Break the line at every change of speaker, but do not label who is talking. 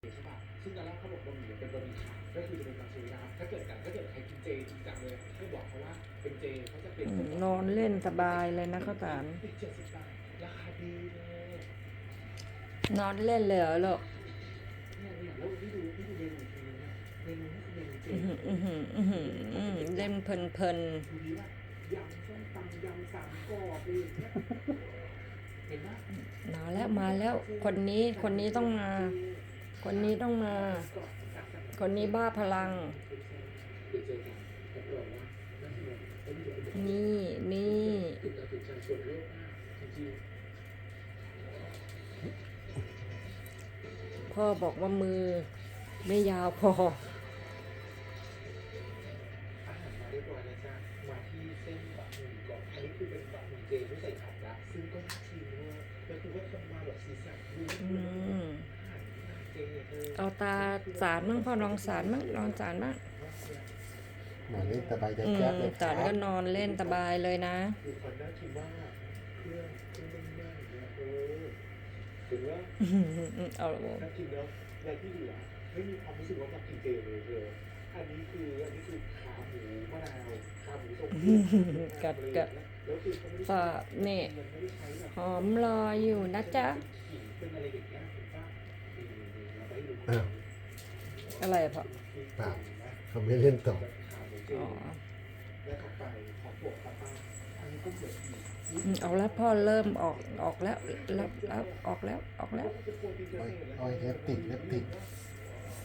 ใช่ป่ะซึ่งตอนแรกเขาบอกบะหมี่เป็นบะหมี่ขาวก็คือจะเป็นมังสวิรัติถ้าเกิดใครกินเจจริงจังเลยก็บอกเขาว่าเป็นเจเขาจะเป็น
นอนเล่นสบายเลยนะข้าวสาร
อีก70 บาทราคาดีเลย
นอนเล่นเลยเหรอลูก
เนี่ยแล้วพี่ดูเมนูทีนึงเนี่ยเมนูนี่คือเมนูเจ
เล่นเพลิน
ดูดีว่ายำส้มตำยำสามกรอบเลยเนี่ยเห็นไหม
มาแล้วคนนี้ต้องมาคนนี้บ้าพลัง
เดี๋ยวเจอกันรับรองว่าน่าสนุกและนี่จะเป็น
นี่
ติดต่อถึงชาชนโลกมากจริง
พ่อบอกว่ามือไม่ยาวพอ
ๆอาหารมาเรียบร้อยแล้วจ้ะมาที่เส้นบะหมี่ก่อนอันนี้คือเป็นบะหมี่เจไม่ใส่ผักละซึ่งก็น่าชิมด้วยแล้วคือว่าทำมาแบบสีสันดู
อืม
อาหารเจ
เอาตาสารมั่งพ่อลองสารมั่งลองสารมั่ง
นอนเล่นสบายใจแจ๊บเลยค
สา
รั
รก็
บ
นอนเล่นสบายเลยนะ
คือคนน่ากินมากเครื่องแน่นๆเนี่ยถึงว่า
เอา
น่ากินแล้วในที่เหลือไม่มีความรู้สึกว่ามากินเจเลยอันนี้คือขาหมูมะนาวขาหมูทรงเครื่อง
กัด
แล้วคือเขาไม่ได้
ฝาเนี่
ยังไม่ได้ใช้แบบ
หอมรออยู่นะจ๊ะ
ขิงเป็นอะไรอย่างเงี้ยถูกป่ะเราไปดู
อ้าว
อะไรพ่อ
เปล่าเขาไม่เล่นต่อ
อ๋อ
แล้วต่อไปขอบวกป้าอันนี้ก็เหมือน
เอาแล้วพ่อเริ่มออกแล้วออกแล้ว
อ้อยเล็บติด